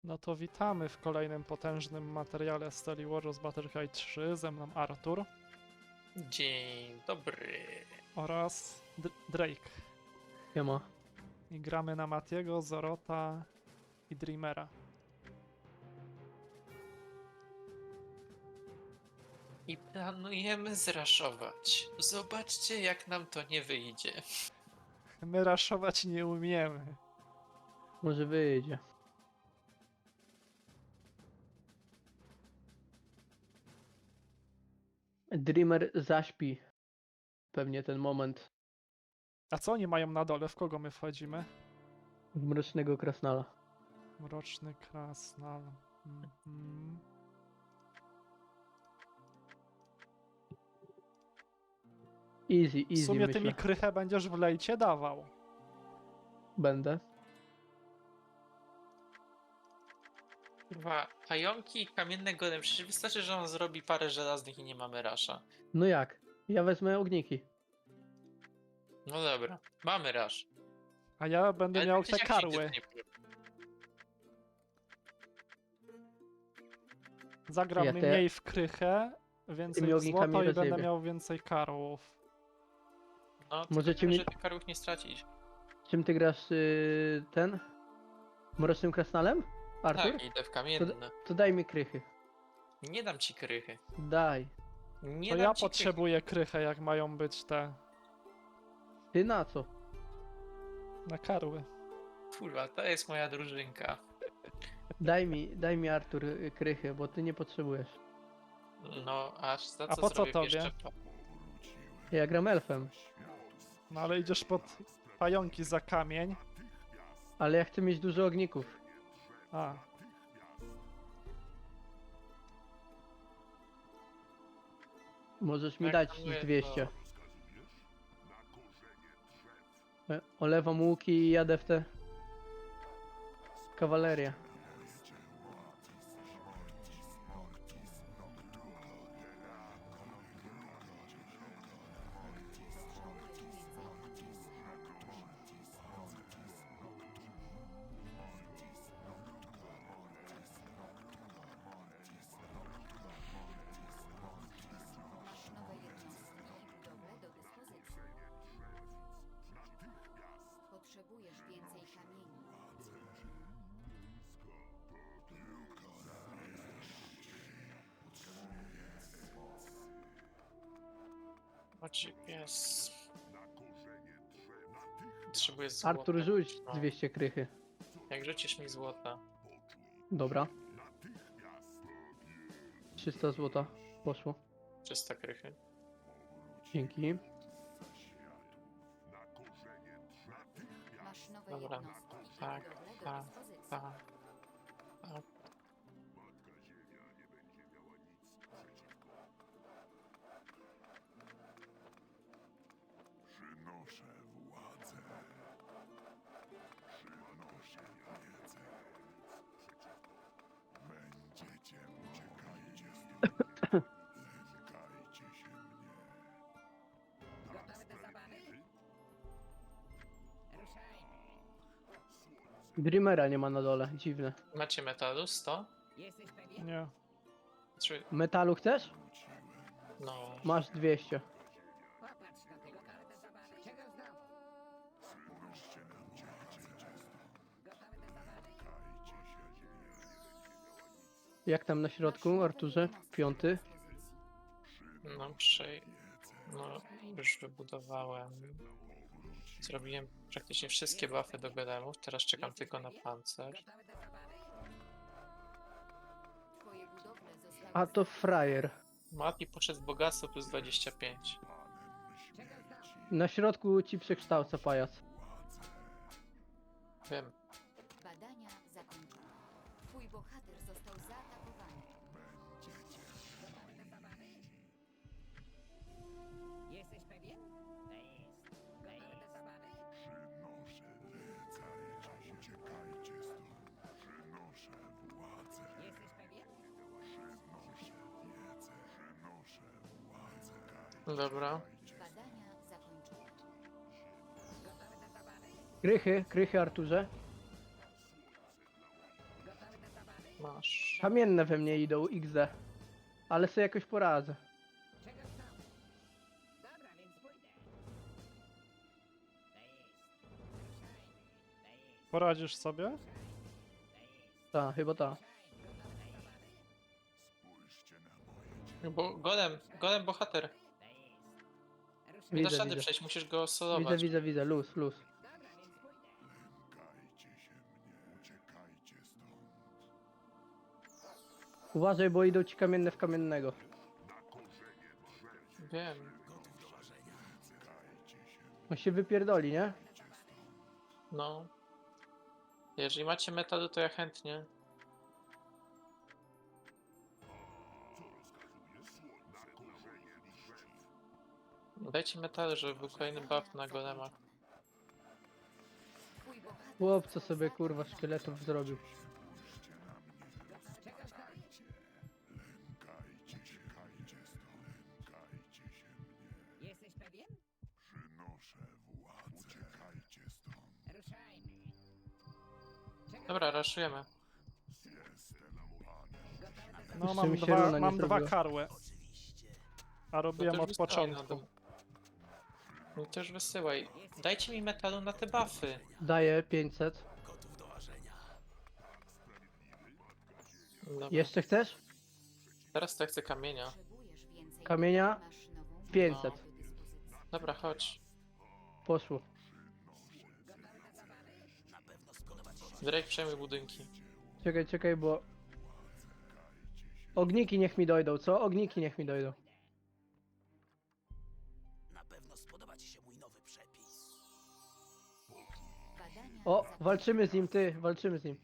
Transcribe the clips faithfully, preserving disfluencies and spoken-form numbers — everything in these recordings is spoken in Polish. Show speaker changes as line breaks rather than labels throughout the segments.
No to witamy w kolejnym potężnym materiale Steely Warriors Battlecry trzy. Ze mną Artur
Dzień dobry.
oraz D Drake.
Siema.
I gramy na Matiego, Zorota i Dreamera.
I planujemy zraszować. Zobaczcie, jak nam to nie wyjdzie.
My raszować nie umiemy.
Może wyjdzie. Dreamer zaśpi. Pewnie ten moment
A co oni mają na dole? W kogo my wchodzimy?
w mrocznego krasnala.
Mroczny krasnal. Mhm.
Easy,
W
easy
sumie
myślę.
ty mi krychę będziesz w lejcie dawał.
Będę.
Kurwa, pająki i kamienne golem. Przecież wystarczy, że on zrobi parę żelaznych i nie mamy rasza.
No jak? Ja wezmę ogniki.
No dobra, mamy rasz.
A ja będę
Ale
miał
tak czy
te
siak nigdy
karły.
to nie powiem.
Zagram
Ja te-
mniej w krychę, więcej
Tymi
w
ognikami
złoto i będę
rozjebie.
miał więcej karłów.
No,
Możecie
tylko
mi-
że tych karłów nie stracić.
Czym ty grasz yy, ten? Mrocznym krasnalem? Artur?
Tak, idę w
To,
kamienne.
to daj mi krychy.
Nie dam ci krychy.
Daj.
Nie
To
dam
ja
ci
potrzebuję krychę, jak mają być te
Ty na co?
na karły.
krychy. Kurwa, to jest moja drużynka.
Daj mi, daj mi Artur y, krychy, bo ty nie potrzebujesz.
No, aż za
A
co
po co
zrobię
tobie?
jeszcze pa-
Ja gram elfem,
No ale idziesz pod pająki za kamień.
ale ja chcę mieć dużo ogników.
A,
Możesz mi
Jak
dać
planuję,
z dwieście.
to-
E, Olewam łuki i jadę w tę kawalerię.
Nowe jednostki i budowle do dyspozycji. Potrzebujesz więcej kamieni.
Chodź, pies. Potrzebuję złota.
Artur, rzuć
No,
dwieście krychy.
jak rzucisz mi złota.
Dobra. trzysta złota poszło.
trzysta krychy.
Dzięki.
Masz nowe
Dobra,
jednostki i
tak,
budowle do
tak,
dyspozycji.
tak. Tak.
Dreamera nie ma na dole, dziwne.
Macie metalu sto?
nie.
Czy...
Metalu chcesz?
No...
Masz dwieście. Jak tam na środku, Arturze? Piąty.
No, przy... No, już wybudowałem. Zrobiłem praktycznie wszystkie buffy do golemów. Teraz czekam tylko na pancerz.
Twoje budowle zostały
A to frajer.
Mati poszedł w bogactwo plus dwadzieścia pięć.
Na środku ci przekształca pajac.
Wiem.
Badania zakończone. Twój bohater został zaatakowany.
Jesteś pewien? To jest. To jest. Jesteś pewien?
Dobra.
Badania zakończone.
Krychy, krychy Arturze.
Gotowy do zabawy?
Masz.
Kamienne we mnie idą, X D. Ale sobie jakoś poradzę.
Czego chcą? Dobra, więc pójdę. To jest. Ruszajmy. To jest.
Poradzisz sobie?
Ta, chyba ta.
Bo golem, golem bohater. Nie
Widzę,
dasz rady
widzę.
przejść, musisz go
Widzę,
solować.
widzę, widzę, luz, luz.
Dobra, więc pójdę.
Uważaj, bo idą ci kamienne w kamiennego.
Wiem.
On się wypierdoli, nie?
No. Jeżeli macie metalu, to ja chętnie. Dajcie metalu, żeby był kolejny buff na golemach.
Twój bohater
Chłop, co sobie kurwa szkieletów zrobił.
Czego chcą? Jesteś pewien? Ruszajmy. Czego
Dobra, raszujemy.
No
Jeszcze
mam
mi się
dwa,
runa nie
mam dwa
zrobiła.
karły. A robiłem
No to
od
już wysyłaj, no
początku.
No to już wysyłaj. Dajcie mi metalu na te buffy.
Daję pięćset.
Dobra.
Jeszcze chcesz?
Teraz to ja chcę kamienia.
potrzebujesz więcej.
Kamienia?
Masz nową
pięćset.
do dyspozycji.
Dobra, chodź.
Poszło.
Drake, przejmuj budynki.
Czekaj, czekaj, bo... Ogniki niech mi dojdą, co? Ogniki niech mi dojdą.
Badania
O,
zakończone.
walczymy z nim, ty, walczymy z nim.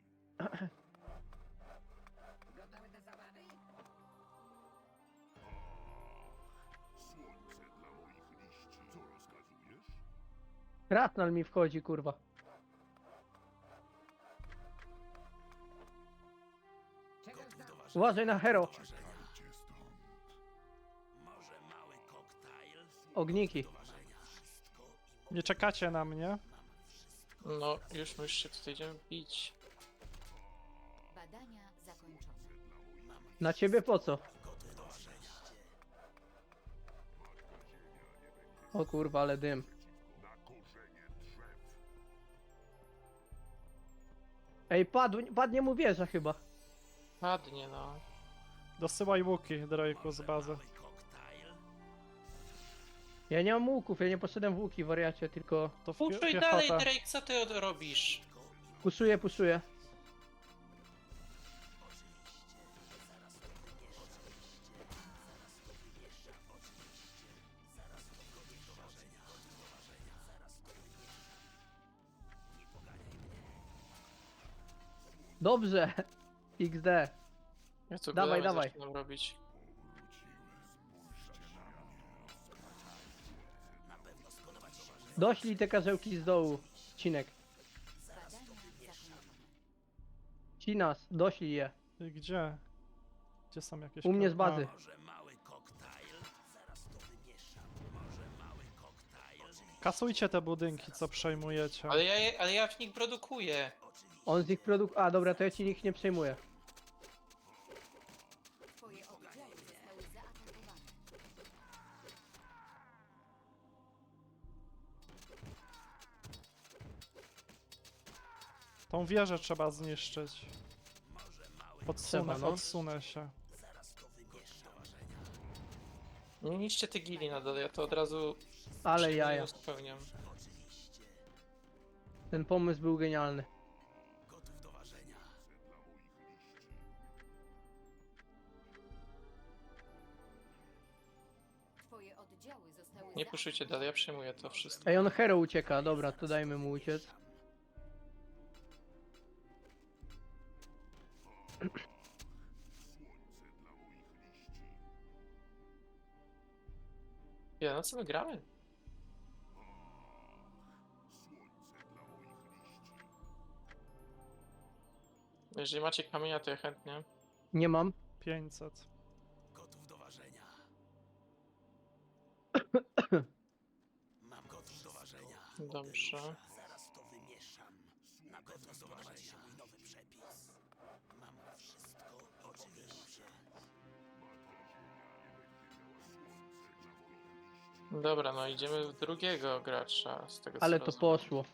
gotowy do zabawy?
Kratnal mi wchodzi, kurwa.
Czego chcą?
Uważaj na hero. Ogniki.
Nie czekacie na mnie?
No, już my już się tutaj idziemy bić.
Badania zakończone.
Na ciebie po co? O kurwa, ale dym. Ej, padł, padnie mu wieża chyba.
Padnie, no.
Dosyłaj łuki, Drake'u, z bazy.
Ja nie mam łuków, ja nie poszedłem w łuki, wariacie, tylko
To w
Puszuj
pie-
dalej,
piechotę.
Drake, co ty od- robisz?
puszuję, puszuję. Dobrze. X D.
Ja tu
Dawaj,
golemy
dawaj.
zaczynam robić.
Doślij te karzełki z dołu. Cinek.
Badania zakończone.
Cinas, doślij je.
I Gdzie? Gdzie są jakieś...
U mnie z
kar-
bazy.
A, kasujcie te budynki, co przejmujecie.
Ale ja, je- ale ja w nich produkuję.
On z ich produkt... A, dobra, to ja ci ich nie przejmuję.
Twoje oddziały zostały zaatakowane.
Tą wieżę trzeba zniszczyć. Odsunę,
Trzeba, no.
odsunę się.
Nie niszcie te gili na dole, ja to od razu
Ale
przyjmuję i
jaja.
uzupełniam.
Ten pomysł był genialny.
Twoje oddziały zostały
Nie puszujcie dalej, ja przyjmuję to wszystko.
Ej, on hero ucieka, dobra, to dajmy mu uciec.
Ja, no co my gramy? Jeżeli macie kamienia, to ja chętnie.
Nie mam.
pięćset.
Dobrze. Dobra, no idziemy w drugiego gracza, z tego co
Ale to
rozumiem.
poszło.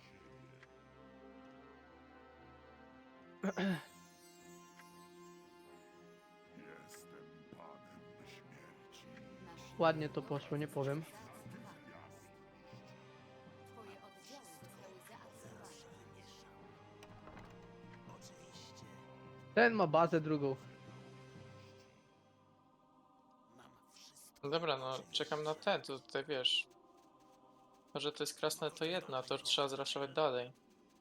Masz
Ładnie to poszło, nie powiem.
Twoje oddziały zostały zaatakowane.
Ten ma bazę drugą.
Dobra, no czekam na ten, to tutaj wiesz. Może to jest krasne to jedna, to trzeba zraszować dalej.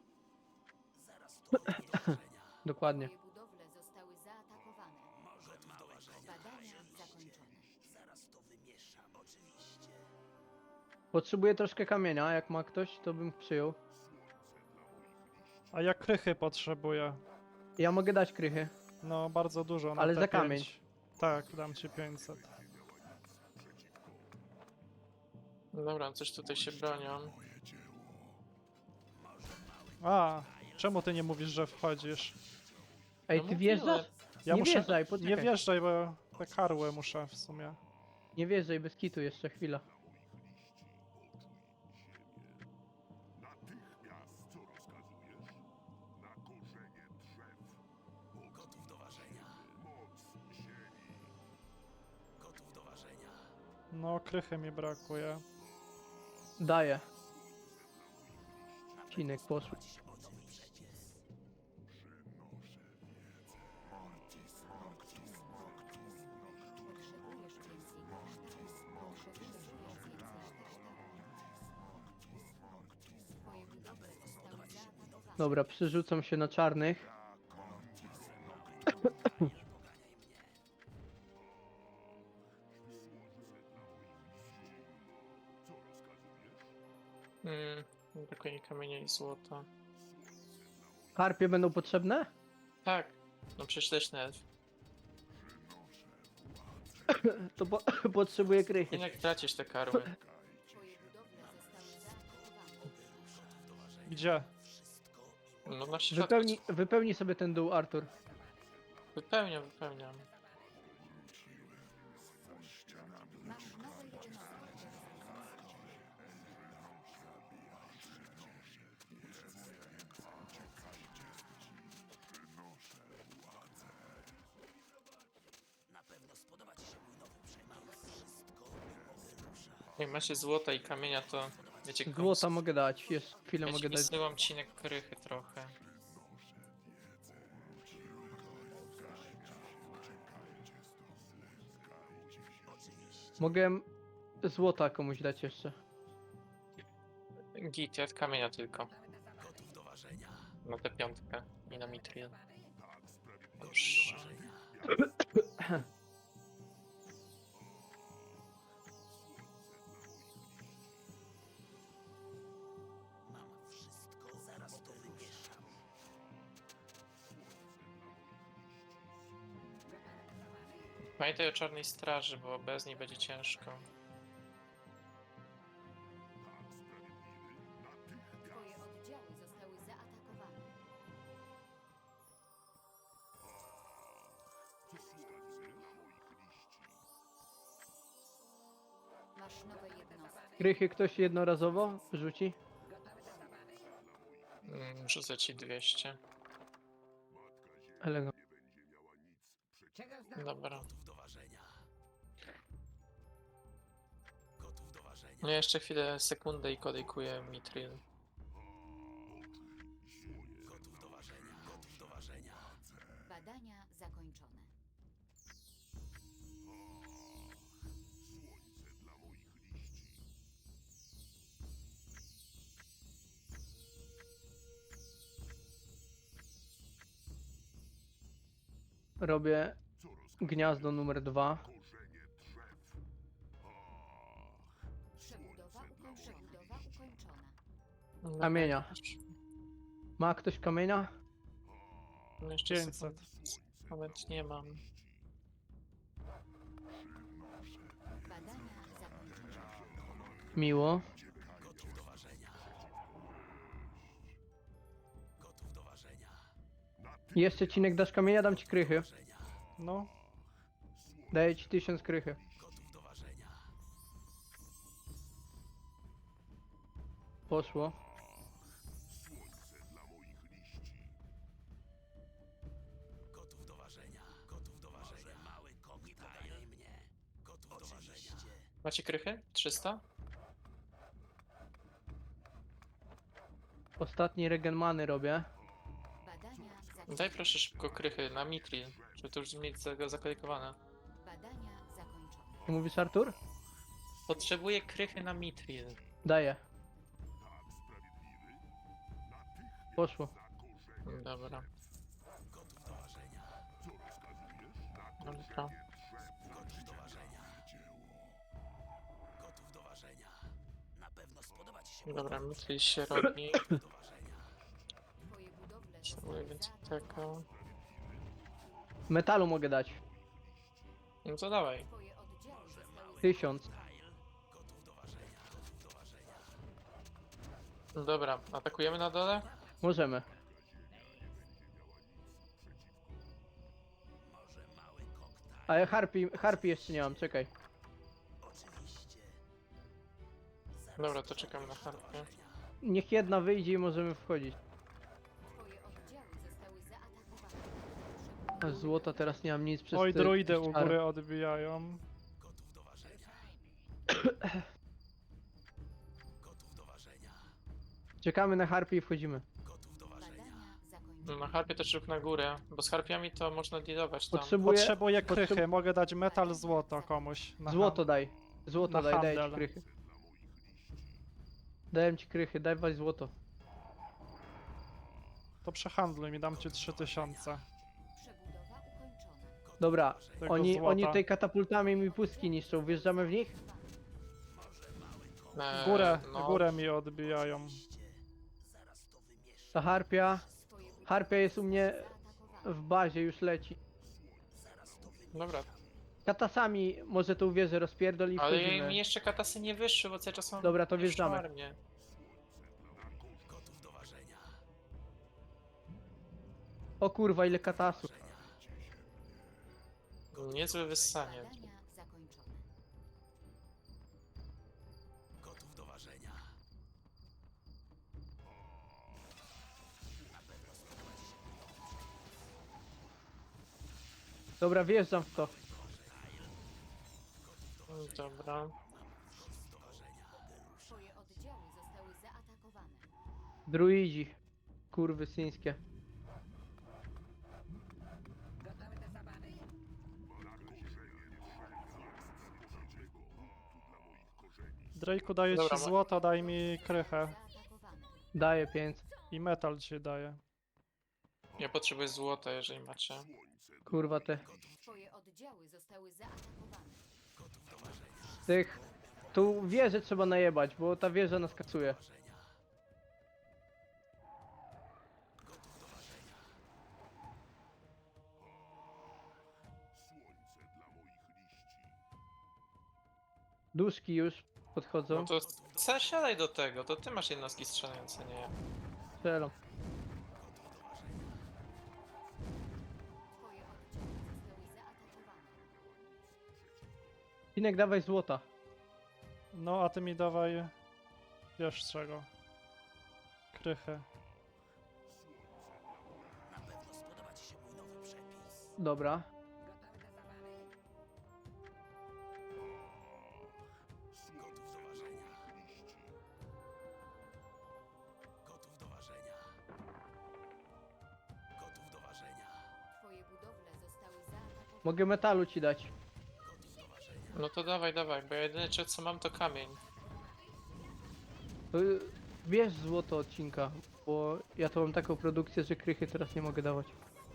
Dokładnie.
Twoje budowle zostały zaatakowane. Badania zakończone.
Potrzebuję troszkę kamienia, jak ma ktoś, to bym przyjął.
A ja krychy potrzebuję.
Ja mogę dać krychy.
No, bardzo dużo na
Ale
te
za kamień.
pięć. Tak, dam ci pięćset.
Dobra, coś tutaj się bronią.
A, czemu ty nie mówisz, że wchodzisz?
Ej,
No
ty
mówiłem.
wjeżdżasz?
Ja
Nie
muszę...
wjeżdżaj,
Nie
poczekaj.
wjeżdżaj, bo te karły muszę w sumie.
Nie wjeżdżaj, bez kitu jeszcze chwila.
No, krychy mi brakuje.
Daję. Cinek poszło.
Potrzebujesz więcej kasztanów. Potrzebujesz więcej kasztanów. Twoje budowle zostały zaatakowane.
Dobra, przerzucam się na czarnych.
Mm, brakuje mi kamienia i złota.
Harpie będą potrzebne?
Tak, no przecież leśny elf.
To po potrzebuję krychy.
Jednak tracisz te karły.
Twoje budowle zostały zaatakowane.
Gdzie?
No na środku.
Wypełni, wypełnij sobie ten dół, Artur.
Wypełniam, wypełniam.
Masz nowe jednostki.
Jak macie złota i kamienia, to wiecie komu
Złota mogę dać, jeszcze chwilę
Ja
mogę
ci
dać.
wysyłam cinek krychy trochę.
Mogę złota komuś dać jeszcze.
Git, ja kamienia tylko. Na tę piątkę i na mitril. Dobrze. Pamiętaj o czarnej straży, bo bez niej będzie ciężko.
Twoje oddziały zostały zaatakowane. Masz nowe jednostki.
Krychy ktoś jednorazowo rzuci?
Mm, Rzucę ci dwieście.
Elegancko.
Czego znasz?
Dobra. No jeszcze chwilę, sekundę i kodykuję mitril.
Badania zakończone.
Robię gniazdo numer dwa.
Przebudowa, ukoń... Przebudowa ukończona.
No,
Kamienia. Ma ktoś kamienia?
No jeszcze
pięćset.
sekund- Moment, nie mam.
Badania zakończone.
Miło. Jeszcze cinek dasz kamienia, dam ci krychy.
No,
Daję ci tysiąc krychy. Poszło.
Gotów do ważenia. Gotów do ważenia. Mały koktajl mnie. Gotów do ważenia.
Macie krychy? trzysta?
Ostatni regen many robię.
Badania zakończone.
Daj proszę szybko krychy na Mitril, żeby to już mieć za- zakolejkowane.
Badania zakończone.
Co mówisz, Artur?
Potrzebuję krychy na Mitril.
Daję. Poszło.
Dobra. Dobra.
Gotów do ważenia. Gotów do ważenia. Na pewno spodoba ci się.
Dobra, Mitril się robi.
Do ważenia.
Twoje budowle
Potrzebuję
zostały
więcej
zaatakowane.
tego.
Metalu mogę dać.
No to dawaj.
Twoje oddziały zostały
Tysiąc.
Gotów do ważenia. Gotów do ważenia.
Dobra, atakujemy na dole?
Możemy.
Może mały koktajl.
Ale harpi, harpi jeszcze nie mam, czekaj.
Oczywiście.
Dobra, to czekam na harpie.
Niech jedna wyjdzie i możemy wchodzić.
Twoje oddziały zostały zaatakowane.
A z złota teraz nie mam nic przez
Oj,
te-
druidy
przez
u
czar.
góry odbijają.
Gotów do ważenia. Gotów do ważenia.
Czekamy na harpi i wchodzimy.
Gotów do ważenia.
Badania zakończone.
Na harpie też rób na górę, bo z harpiami to można dealować tam.
Potrzebuję...
Potrzebuję
potrze-
krychy, mogę dać metal, złoto komuś. na
Złoto daj. Złoto
Na
daj, daję ci
handel.
krychy. Daję ci krychy, daj was złoto.
To przehandluj mi, dam ci trzy tysiące.
Przebudowa ukończona.
Dobra,
Tego
oni,
złota.
oni tej katapultami mi pustki niszczą, wjeżdżamy w nich?
Eee,
Górę,
no,
górę mi odbijają.
Zaraz to wymieszam.
Ta harpia,
Twoje budowle
harpia jest u mnie
zaatakowane.
w bazie, już leci.
Zaraz to wymieszam.
Dobra,
Katasami może tą wieżę rozpierdoli i
ale
wchodzimy.
mi jeszcze katasy nie wyszły, bo cały czas mam
Dobra, to
pierwszą
wjeżdżamy.
armię.
Gotów do ważenia.
O kurwa, ile katasów.
Niezłe wyssanie.
Badania zakończone.
Gotów do ważenia.
Dobra, wjeżdżam w to.
Dobra.
Twoje oddziały zostały zaatakowane.
Druidzi. Kurwy syńskie.
Gotowe do zabawy?
Drake'u daję
Dobra,
ci
ma-
złoto, daj mi krychę.
Zaatakowane.
Daję pięć.
I metal ci daję.
Ja potrzebuję złota, jeżeli macie.
Kurwa te.
Twoje oddziały zostały zaatakowane.
Tych. Tu wieżę trzeba najebać, bo ta wieża nas kasuje. Duszki już podchodzą.
No to co, siadaj do tego, to ty masz jednostki strzelające, nie ja.
Strzelam.
Twoje oddziały zostały zaatakowane.
Inek, dawaj złota.
No, a ty mi dawaj... Wiesz czego. Krychy.
Na pewno spodoba ci się mój nowy przepis.
Dobra.
Gotowe do zabawy?
Gotów do ważenia. Gotów do ważenia. Gotów do ważenia.
Twoje budowle zostały zaatakowane.
Mogę metalu ci dać.
Gotów do ważenia.
No to dawaj, dawaj, bo ja jedyne co mam to kamień.
To bierz złoto odcinka, bo ja to mam taką produkcję, że krychy teraz nie mogę dawać.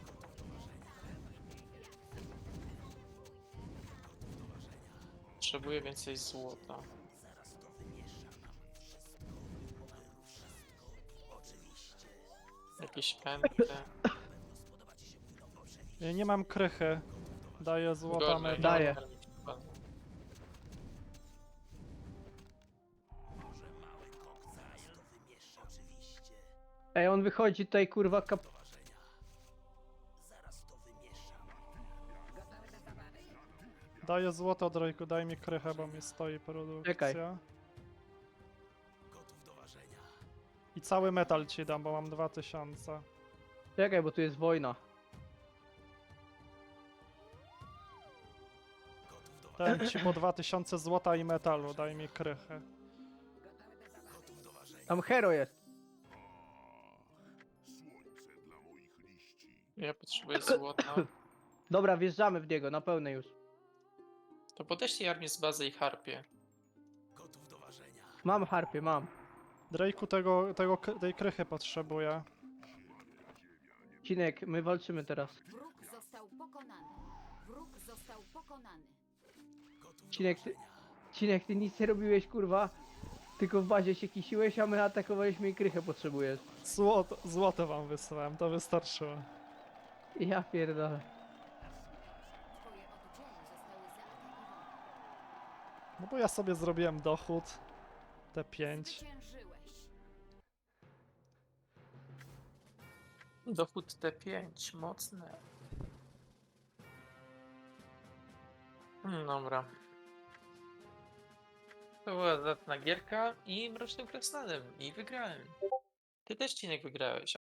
Potrzebuję więcej złota.
Zaraz to wymieszam. Wszystko. Oberu wszystko. Oczywiście.
Jakieś pędy.
Na pewno spodoba ci się mój nowy przepis.
Ja nie mam krychy. Daję złota,
Gorzej,
metal.
Daję.
Może mały koktajl to wymieszam. Oczywiście.
Ej, on wychodzi tutaj kurwa kap...
Do ważenia. Zaraz to wymieszam.
Gotowe do zabawy?
Daję złoto, Drake'u, daj mi krychę, bo mi stoi produkcja.
Czekaj.
Gotów do ważenia.
cały metal ci dam, bo mam dwa tysiące.
Czekaj, bo tu jest wojna.
Gotów do ważenia.
Dałem ci po dwa tysiące złota i metalu, daj mi krychy.
Gotów do ważenia.
Tam hero jest.
Ja potrzebuję złota.
Dobra, wjeżdżamy w niego, na pełne już.
To podeślij armię z bazy i harpie.
Gotów do ważenia.
Mam harpie, mam.
Drake'u tego, tego, k- tej krychy potrzebuję.
Cinek, my walczymy teraz.
Wróg został pokonany. Wróg został pokonany.
Gotów do
Cinek, ty,
ważenia.
Cinek, ty nic nie robiłeś, kurwa. Tylko w bazie się kisiłeś, a my atakowaliśmy i krychę potrzebujesz.
Złoto, złoto wam wysłałem, to wystarczyło.
Ja pierdolę.
Twoje otoczenie zostały zaatakowane.
No bo ja sobie zrobiłem dochód. T pięć.
Zwyciężyłeś.
Dochód T pięć, mocne. Hmm, Dobra. To była zatna gierka i Mrocznym Krasnalem. I wygrałem. Ty też, Cinek, wygrałeś.